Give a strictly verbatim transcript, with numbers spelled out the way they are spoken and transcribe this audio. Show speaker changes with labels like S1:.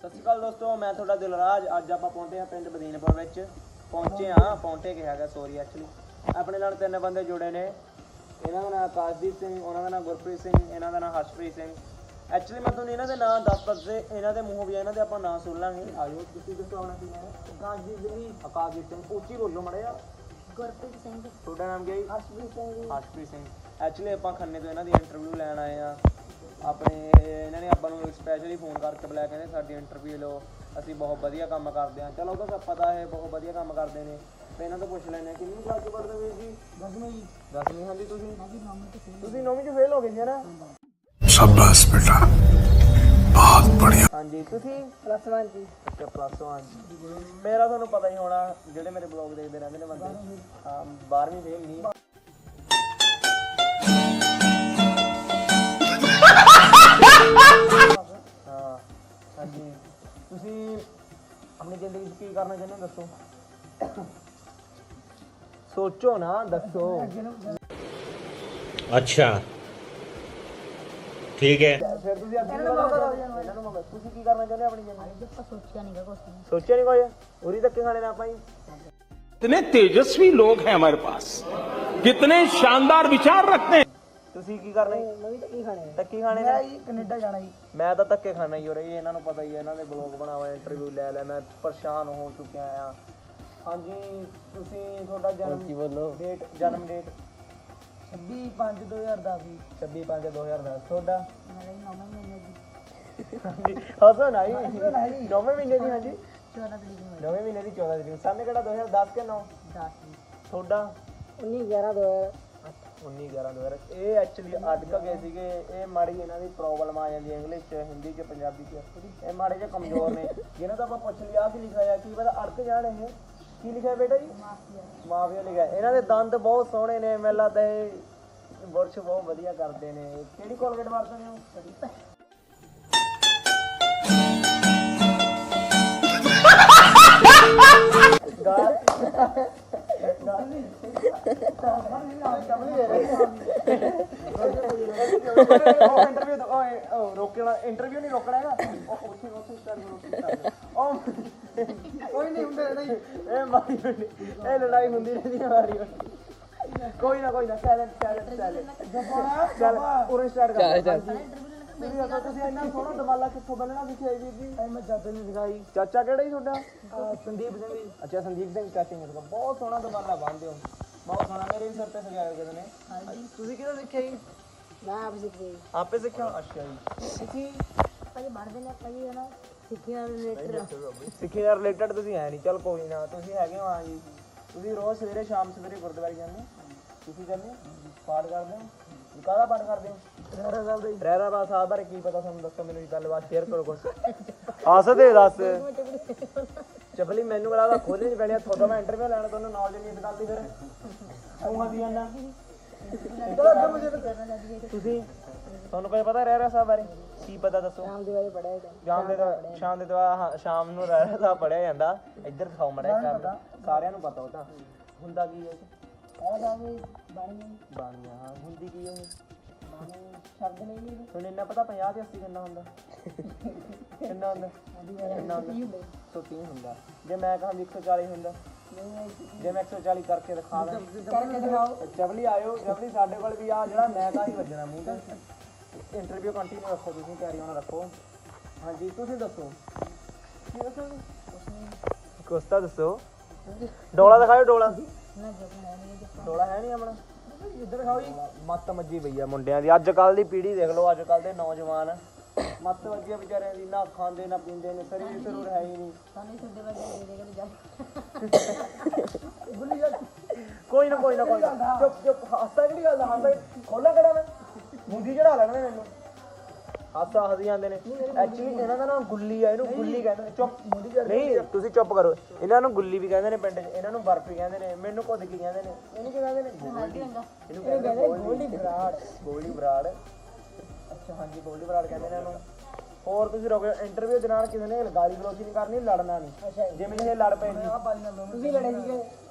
S1: ਸਤਿ ਸ਼੍ਰੀ ਅਕਾਲ ਦੋਸਤੋ, ਮੈਂ ਤੁਹਾਡਾ ਦਿਲਰਾਜ। ਅੱਜ ਆਪਾਂ ਪਹੁੰਚੇ ਹਾਂ ਪਿੰਡ ਬਦੀਨਪੁਰ ਵਿੱਚ। ਪਹੁੰਚੇ ਹਾਂ ਪਹੁੰਚੇ ਕਿਹਾ ਗਿਆ ਸੋਰੀ ਐਕਚੁਅਲੀ ਆਪਣੇ ਨਾਲ ਤਿੰਨ ਬੰਦੇ ਜੁੜੇ ਨੇ। ਇਹਨਾਂ ਦਾ ਨਾਮ ਆਕਾਸ਼ਦੀਪ ਸਿੰਘ, ਉਹਨਾਂ ਦਾ ਨਾਮ ਗੁਰਪ੍ਰੀਤ ਸਿੰਘ, ਇਹਨਾਂ ਦਾ ਨਾਮ ਹਰਸ਼ਪ੍ਰੀਤ ਸਿੰਘ। ਐਕਚੁਅਲੀ ਮੈਂ ਤੁਹਾਨੂੰ ਇਹਨਾਂ ਦੇ ਨਾਮ ਦੱਸ ਸਕਦੇ, ਇਹਨਾਂ ਦੇ ਮੂੰਹੋਂ ਵੀ ਇਹਨਾਂ ਦੇ ਆਪਾਂ ਨਾਂ ਸੁਣ ਲਾਂਗੇ। ਆਜੋ ਤੁਸੀਂ ਦੱਸੋ ਆਪਣਾ ਕੀ ਨਾਮ ਹੈ? ਆਕਾਸ਼ਦੀਪ ਸਿੰਘ। ਆਕਾਸ਼ਦੀਪ ਸਿੰਘ ਉੱਚੀ ਬੋਲੋ ਮਾੜਾ ਜਿਹਾ।
S2: ਗੁਰਪ੍ਰੀਤ ਸਿੰਘ।
S1: ਤੁਹਾਡਾ ਨਾਮ ਕੀ ਹੈ?
S2: ਹਰਸ਼ਪ੍ਰੀਤ ਸਿੰਘ।
S1: ਹਰਸ਼ਪ੍ਰੀਤ ਸਿੰਘ। ਐਕਚੁਅਲੀ ਆਪਾਂ ਖੰਨੇ ਤੋਂ ਇਹਨਾਂ ਦੀ ਇੰਟਰਵਿਊ ਲੈਣ ਆਏ ਹਾਂ। ਆਪਣੇ ਇਹਨਾਂ ਨੇ ਆਪਾਂ ਨੂੰ ਸਪੈਸ਼ਲੀ ਫੋਨ ਕਰਕੇ ਬੁਲਾਇਆ, ਕਹਿੰਦੇ ਸਾਡੀ ਇੰਟਰਵਿਊ ਲਓ, ਅਸੀਂ ਬਹੁਤ ਵਧੀਆ ਕੰਮ ਕਰਦੇ ਹਾਂ। ਚਲੋ ਉਹ ਤਾਂ ਪਤਾ ਹੈ ਬਹੁਤ ਵਧੀਆ ਕੰਮ ਕਰਦੇ ਨੇ। ਤੇ ਇਹਨਾਂ ਤੋਂ ਪੁੱਛ ਲੈਂਦੇ ਹਾਂ ਕਿੰਨੀ ਕਲਾਸ 'ਚ ਪੜ੍ਹਦੇ ਵੀਰ ਜੀ? ਦਸਵੀਂ ਜੀ। ਦਸਵੀਂ। ਹਾਂਜੀ ਤੁਸੀਂ ਤੁਸੀਂ ਨੌਵੀਂ 'ਚ ਫੇਲ ਹੋ ਗਏ ਸੀ ਨਾ?
S3: शाबाश बेटा, बहुत बढ़िया।
S1: ਹਾਂਜੀ ਤੁਸੀਂ
S2: ਪਲੱਸ ਵਨ ਜੀ।
S1: ਅੱਛਾ ਪਲੱਸ ਵਨ। ਮੇਰਾ ਤੁਹਾਨੂੰ ਪਤਾ ਹੀ ਹੋਣਾ, ਜਿਹੜੇ ਮੇਰੇ ਬਲੌਗ ਦੇਖਦੇ ਰਹਿੰਦੇ ਨੇ ਬੰਦੇ। ਹਾਂ ਬਾਰਵੀਂ ਫੇਲ ਨਹੀਂ। ਹਾਂ ਹਾਂਜੀ। ਤੁਸੀਂ ਆਪਣੀ ਜ਼ਿੰਦਗੀ 'ਚ ਕੀ ਕਰਨਾ ਚਾਹੁੰਦੇ ਹੋ ਦੱਸੋ? ਸੋਚੋ ਨਾ, ਦੱਸੋ।
S4: अच्छा ठीक है।
S1: ਫਿਰ ਤੁਸੀਂ ਅੱਗੇ ਇਹਨਾਂ ਨੂੰ ਮੰਗੋ, ਤੁਸੀਂ ਕੀ ਕਰਨਾ ਚਾਹੁੰਦੇ ਹੋ ਆਪਣੀ ਜ਼ਿੰਦਗੀ 'ਚ?
S2: ਆਪਾਂ ਸੋਚਿਆ ਨਹੀਂਗਾ ਕੁਛ ਨਹੀਂ।
S1: ਸੋਚਿਆ ਨਹੀਂ ਕੁਝ? ਉਰੀ ਧੱਕੇ ਖਾਣੇ ਨਾ ਆਪਾਂ ਜੀ।
S5: कितने तेजस्वी लोग हैं हमारे पास, कितने शानदार विचार रखते हैं।
S1: ਤੁਸੀਂ ਕੀ ਕਰਨਾ ਜੀ?
S2: ਮੈਂ ਵੀ ਤਾਂ ਕੀ ਖਾਣੇ
S1: ਧੱਕੇ ਖਾਣੇ ਨੇ?
S2: ਜੀ ਕੈਨੇਡਾ ਜਾਣਾ ਜੀ।
S1: ਮੈਂ ਤਾਂ ਧੱਕੇ ਖਾਣਾ ਹੀ ਹੋ ਰਹੀ, ਇਹਨਾਂ ਨੂੰ ਪਤਾ ਹੀ ਹੈ। ਇਹਨਾਂ ਦੇ ਬਲੌਗ ਬਣਾਵਾ, ਇੰਟਰਵਿਊ ਲੈ ਲੈ, ਮੈਂ ਪਰੇਸ਼ਾਨ ਹੋ ਚੁੱਕਿਆ ਆ। ਹਾਂਜੀ ਤੁਸੀਂ ਤੁਹਾਡਾ ਜਨਮ ਕੀ ਬੋਲੋ ਡੇਟ, ਜਨਮ ਡੇਟ?
S2: ਛੱਬੀ ਪੰਜ ਦੋ ਹਜ਼ਾਰ ਦਸ ਜੀ।
S1: ਛੱਬੀ ਪੰਜ ਦੋ ਹਜ਼ਾਰ ਦਸ। ਤੁਹਾਡਾ?
S2: ਮੇਰਾ ਜੀ ਨੌਵੇਂ ਮਹੀਨੇ ਦੀ
S1: ਹਸੋ ਨਾ ਜੀ। ਨੌਵੇਂ ਮਹੀਨੇ ਦੀ? ਹਾਂਜੀ
S2: ਚੌਦਾਂ ਤਰੀਕ ਨੂੰ।
S1: ਨੌਵੇਂ ਮਹੀਨੇ ਦੀ ਚੌਦਾਂ ਤਰੀਕ। ਸਾਨੇ ਕਿਹੜਾ ਦੋ ਹਜ਼ਾਰ ਦਸ ਕੇ ਨੌ?
S2: ਦਸ ਜੀ।
S1: ਤੁਹਾਡਾ?
S2: ਉੱਨੀ ਗਿਆਰਾਂ ਦੋ ਹਜ਼ਾਰ ਅੱਠ।
S1: ਉੱਨੀ ਗਿਆਰਾਂ ਦੋ ਹਜ਼ਾਰ। ਇਹ ਐਕਚੁਅਲੀ ਅਟਕ ਗਏ ਸੀਗੇ। ਇਹ ਮਾੜੀ ਇਹਨਾਂ ਦੀ ਪ੍ਰੋਬਲਮ ਆ ਜਾਂਦੀ ਹੈ ਇੰਗਲਿਸ਼ 'ਚ, ਹਿੰਦੀ 'ਚ, ਪੰਜਾਬੀ 'ਚ। ਇਹ ਮਾੜੇ ਜਿਹੇ ਕਮਜ਼ੋਰ ਨੇ। ਜਿਹਨਾਂ ਤੋਂ ਆਪਾਂ ਪੁੱਛ ਲਿਆ ਕੀ ਲਿਖਿਆ ਆ, ਕੀ ਪਤਾ ਅੜਕ ਜਾਣ। ਇਹ ਕੀ ਲਿਖਿਆ ਬੇਟਾ ਜੀ? ਮਾਫੀਆ ਲਿਖਿਆ। ਇਹਨਾਂ ਦੇ ਦੰਦ ਬਹੁਤ ਸੋਹਣੇ ਨੇ, ਮੈਨੂੰ ਲੱਗਦਾ ਇਹ ਬੁਰਸ਼ ਬਹੁਤ ਵਧੀਆ ਕਰਦੇ ਨੇ। ਕਿਹੜੀ ਕੋਲਗੇਟ ਵਰਤਦੇ ਹੋ? ਰੋਕਣਾ ਇੰਟਰਵਿਊ ਨਹੀਂ ਰੋਕਣਾ ਹੈਗਾ। ਉੱਥੇ ਉੱਥੇ ਸਟਾਰਟ ਕਰੋ। ਉਹ ਕੋਈ ਨਹੀਂ ਹੁੰਦੇ ਨਹੀਂ। ਇਹ ਮਾਰੀ ਇਹ ਲੜਾਈ ਹੁੰਦੀ ਰਹਿੰਦੀ ਹੈ ਮਾਰੀ। ਕੋਈ ਨਾ ਕੋਈ ਨਾ ਸਾਇਲੈਂਟ ਸਾਇਲੈਂਟ ਸਾਇਲੈਂਟ। ਚੱਲ ਪੂਰਾ ਸਟਾਰਟ ਕਰ। ਤੁਸੀਂ ਦੱਸੋ ਤੁਸੀਂ ਇੰਨਾ ਸੋਹਣਾ ਦਮਾਲਾ ਕਿੱਥੋਂ ਬੰਨਣਾ ਸਿੱਖਿਆ ਜੀ ਵੀਰ ਜੀ? ਮੈਂ ਚਾਚੇ ਨੂੰ ਸਿਖਾਈ। ਚਾਚਾ ਕਿਹੜਾ ਜੀ ਤੁਹਾਡਾ? ਸੰਦੀਪ ਸਿੰਘ ਜੀ। ਅੱਛਾ ਸੰਦੀਪ ਸਿੰਘ ਚਾਚੇ ਨੇ ਸਿਖਾਇਆ। ਬਹੁਤ ਸੋਹਣਾ ਦਮਾਲਾ ਬੰਨ੍ਹਦੇ ਹੋ, ਬਹੁਤ ਸੋਹਣਾ। ਮੇਰੇ ਵੀ ਸਿਰ ਤੇ ਸਜਾਇਆ ਕਿਸੇ ਨੇ। ਤੁਸੀਂ ਕਿਹੜਾ ਸਿੱਖਿਆ ਜੀ?
S2: ਮੈਂ ਆਪ ਸਿੱਖਿਆ ਜੀ।
S1: ਆਪੇ ਸਿੱਖਿਆ? ਅੱਛਾ ਜੀ। ਤੁਸੀਂ
S2: ਭਾਜੀ ਬਣਦੇ ਨੇ ਭਾਜੀ ਹਨਾ ਸਿੱਖਿਆ ਰਿਲੇਟਡ।
S1: ਸਿੱਖੇ ਨਾਲ ਰਿਲੇਟਡ ਤੁਸੀਂ ਹੈ ਨਹੀਂ। ਚਲ ਕੋਈ ਨਾ, ਤੁਸੀਂ ਹੈਗੇ ਹੋ। ਹਾਂ ਜੀ। ਤੁਸੀਂ ਰੋਜ਼ ਸਵੇਰੇ ਸ਼ਾਮ ਸਵੇਰੇ ਗੁਰਦੁਆਰੇ ਜਾਂਦੇ ਹੋ? ਤੁਸੀਂ ਜਾਂਦੇ ਹੋ? ਪਾਠ ਕਰਦੇ ਹੋ? ਕਾਹਦਾ ਪਾਠ ਕਰਦੇ ਹੋ? ਰਹਿਰਾ ਸਾਹਿਬ ਦਾ। ਰਹਿਰਾ ਸਾਹਿਬ ਬਾਰੇ ਕੀ ਪਤਾ ਤੁਹਾਨੂੰ? ਦੱਸੋ ਮੈਨੂੰ ਗੱਲਬਾਤ ਸ਼ੇਅਰ ਕਰੋ ਕੁਛ। ਹੱਸਦੇ ਦੱਸ। ਚਪਲੀ ਮੈਨੂੰ ਕਹਿੰਦਾ ਖੋਲ੍ਹਣੀ ਨਹੀਂ ਪੈਣੀ। ਤੁਹਾਡਾ ਮੈਂ ਇੰਟਰਵਿਊ ਲੈਣਾ, ਤੁਹਾਨੂੰ ਨੌਲੇਜ ਨਹੀਂ ਇਸ ਗੱਲ ਦੀ। ਫਿਰ ਤੂੰ ਹੱਸੀ ਜਾਂਦਾ। ਤੁਸੀਂ ਤੁਹਾਨੂੰ ਕੋਈ ਪਤਾ ਰਹਿਰਾ ਸਾਹਿਬ ਬਾਰੇ? ਕੀ ਪਤਾ ਦੱਸੋ?
S2: ਸ਼ਾਮ ਦੇ ਬਾਰੇ ਪੜਿਆ ਹੈ।
S1: ਸ਼ਾਮ ਦੇ ਸ਼ਾਮ ਦੇ ਦਵਾ ਸ਼ਾਮ ਨੂੰ ਰਹਿਰਾ ਸਾਹਿਬ ਪੜਿਆ ਜਾਂਦਾ। ਇੱਧਰ ਦਿਖਾਓ ਮੜਾ ਕਰ। ਸਾਰਿਆਂ ਨੂੰ ਪਤਾ ਉਹ ਤਾਂ ਹੁੰਦਾ ਕੀ ਹੈ। ਬਾਣੀਆਂ। ਹਾਂ ਹੁੰਦੀ ਕੀ ਹੈ?
S2: ਸ਼ਬਦ ਨਹੀਂ ਜੀ।
S1: ਤੁਹਾਨੂੰ ਇੰਨਾ ਪਤਾ ਪੰਜਾਹ ਤੇ ਅੱਸੀ ਕਿੰਨਾ ਹੁੰਦਾ? ਕਿੰਨਾ ਹੁੰਦਾ? ਕਿੰਨਾ ਹੁੰਦਾ? ਸੌ ਤੀਹ ਹੁੰਦਾ। ਜੇ ਮੈਂ ਕਹਾਂ ਵੀ ਇੱਕ ਸੌ ਚਾਲੀ ਹੁੰਦਾ? ਜੇ ਮੈਂ ਇੱਕ ਸੌ ਚਾਲੀ ਕਰਕੇ ਦਿਖਾ ਦਾਂ?
S2: ਕਰਕੇ ਦਿਖਾਓ।
S1: ਜਬਲੀ ਆਇਓ। ਜਬਲੀ ਸਾਡੇ ਕੋਲ ਵੀ ਆ ਜਿਹੜਾ ਮੈਂ ਕਹਾਂ ਹੀ ਵੱਜਣਾ ਮੂੰਹ ਤੇ। ਇੰਟਰਵਿਊ ਕੰਟੀਨਿਊ ਰੱਖੋ, ਤੁਸੀਂ ਤਿਆਰੀ ਹੋਣਾ ਰੱਖੋ। ਹਾਂਜੀ ਤੁਸੀਂ ਦੱਸੋ ਕੀ ਦੱਸੋਗੇ? ਕੁਛ ਤਾਂ ਦੱਸੋ। ਡੋਲਾ ਦਿਖਾਓ। ਡੋਲਾ ਡੋਲਾ ਹੈ ਨਹੀਂ ਆਪਣਾ? ਇੱਧਰ ਦਿਖਾਓ ਜੀ। ਮੱਤ ਮੱਜੀ ਪਈ ਆ ਮੁੰਡਿਆਂ ਦੀ। ਅੱਜ ਕੱਲ੍ਹ ਦੀ ਪੀੜ੍ਹੀ ਦੇਖ ਲਓ, ਅੱਜ ਕੱਲ੍ਹ ਦੇ ਨੌਜਵਾਨ ਮੱਤ ਵੱਜੀ ਆ ਵਿਚਾਰਿਆਂ ਦੀ। ਨਾ ਖਾਂਦੇ ਨਾ ਪੀਂਦੇ ਨੇ, ਸਰੀਰ ਸਰੂਰ ਹੈ ਹੀ ਨਹੀਂ।
S2: ਸਾਨੂੰ ਤੁਹਾਡੇ ਵਰਗੇ ਦੇ ਦੇ ਜਾ।
S1: ਕੋਈ ਨਾ ਕੋਈ ਨਾ ਕੋਈ ਨਾ। ਚੁੱਪ ਚੁੱਪ। ਹਾਸਾ ਕਿਹੜੀ ਗੱਲ ਦਾ? ਹਾਸਾ ਖੋਲਾ ਕਿਹੜਾ ਮੈਂ? ਮੁੰਡੀ ਚੜਾ ਲੈਣਾ ਮੈਨੂੰ। ਹਾਸਾ ਹੱਸ ਜਾਂਦੇ ਨੇ। ਐਕਚੁਅਲੀ ਇਹਨਾਂ ਦਾ ਨਾਮ ਗੁੱਲੀ ਆ। ਇਹਨੂੰ ਗੁੱਲੀ ਕਹਿੰਦੇ ਨੇ। ਚੁੱਪ ਨਹੀਂ, ਤੁਸੀਂ ਚੁੱਪ ਕਰੋ। ਇਹਨਾਂ ਨੂੰ ਗੁੱਲੀ ਵੀ ਕਹਿੰਦੇ ਨੇ ਪਿੰਡ 'ਚ, ਇਹਨਾਂ ਨੂੰ ਬਰਫੀ ਕਹਿੰਦੇ ਨੇ, ਮੈਨੂੰ ਕੁੱਦ ਕੀ ਕਹਿੰਦੇ ਨੇ। ਇਹਨੂੰ ਕੀ ਕਹਿੰਦੇ ਨੇ? ਇਹਨੂੰ ਕਹਿੰਦੇ ਗੋਲਡੀ ਬਰਾੜ। ਗੋਲਡੀ ਬਰਾੜ। ਅੱਛਾ ਹਾਂਜੀ ਗੋਲਡੀ ਬਰਾੜ ਕਹਿੰਦੇ ਨੇ ਇਹਨੂੰ। ਹੋਰ ਤੁਸੀਂ ਰੁਕ ਜਾਓ। ਇੰਟਰਵਿਊ ਦੇ ਨਾਲ ਕਿਸੇ ਨੇ ਗਾਲੀ ਗਲੋਚੀ ਨਹੀਂ ਕਰਨੀ, ਲੜਨਾ ਨਹੀਂ। ਜਿਵੇਂ ਇਹ ਲੜ ਪਏ ਜੀ।
S2: ਤੁਸੀਂ ਲੜੇ ਸੀਗੇ?